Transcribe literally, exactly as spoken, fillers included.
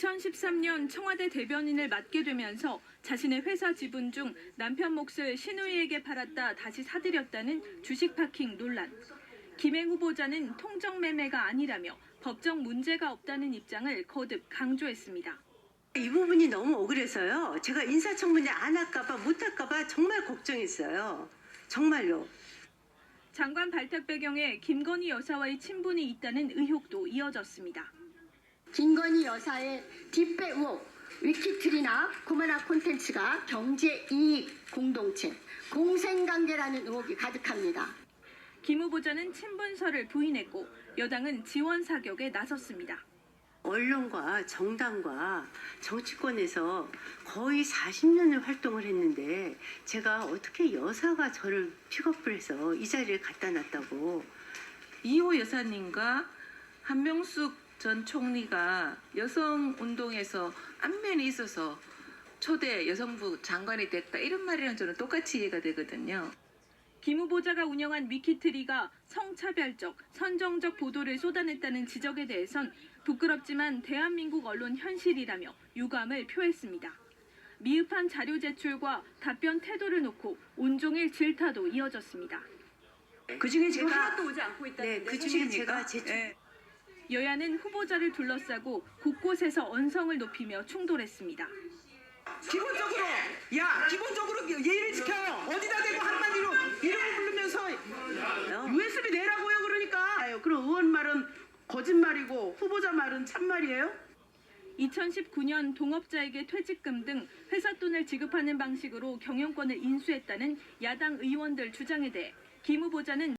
이천십삼 년 청와대 대변인을 맡게 되면서 자신의 회사 지분 중 남편 몫을 신우이에게 팔았다 다시 사들였다는 주식 파킹 논란. 김행 후보자는 통정 매매가 아니라며 법적 문제가 없다는 입장을 거듭 강조했습니다. 이 부분이 너무 억울해서요. 제가 인사청문회 안 할까봐 못할까봐 정말 걱정했어요. 정말요. 장관 발탁 배경에 김건희 여사와의 친분이 있다는 의혹도 이어졌습니다. 김건희 여사의 뒷배 의혹, 위키트리나 코마나 콘텐츠가 경제 이익 공동체, 공생관계라는 의혹이 가득합니다. 김 후보자는 친분설을 부인했고 여당은 지원 사격에 나섰습니다. 언론과 정당과 정치권에서 거의 사십 년을 활동을 했는데 제가 어떻게 여사가 저를 픽업을 해서 이 자리에 갖다 놨다고. 이호 여사님과 한명숙 전 총리가 여성운동에서 안면이 있어서 초대 여성부 장관이 됐다 이런 말이랑 저는 똑같이 이해가 되거든요. 김 후보자가 운영한 위키트리가 성차별적, 선정적 보도를 쏟아냈다는 지적에 대해선 부끄럽지만 대한민국 언론 현실이라며 유감을 표했습니다. 미흡한 자료 제출과 답변 태도를 놓고 온종일 질타도 이어졌습니다. 그중에 지금 제가- 하나도 오지 않고 있다는데 네, 그중에 제가 사실입니까? 제출 네. 여야는 후보자를 둘러싸고 곳곳에서 언성을 높이며 충돌했습니다. 기본적으로 야 기본적으로 예의를 지켜요. 어디다 대고 한마디로 이름을 부르면서 유에스비 내라고요. 그러니까 그럼 의원 말은 거짓말이고 후보자 말은 참말이에요? 이천십구 년 동업자에게 퇴직금 등 회사 돈을 지급하는 방식으로 경영권을 인수했다는 야당 의원들 주장에 대해 김 후보자는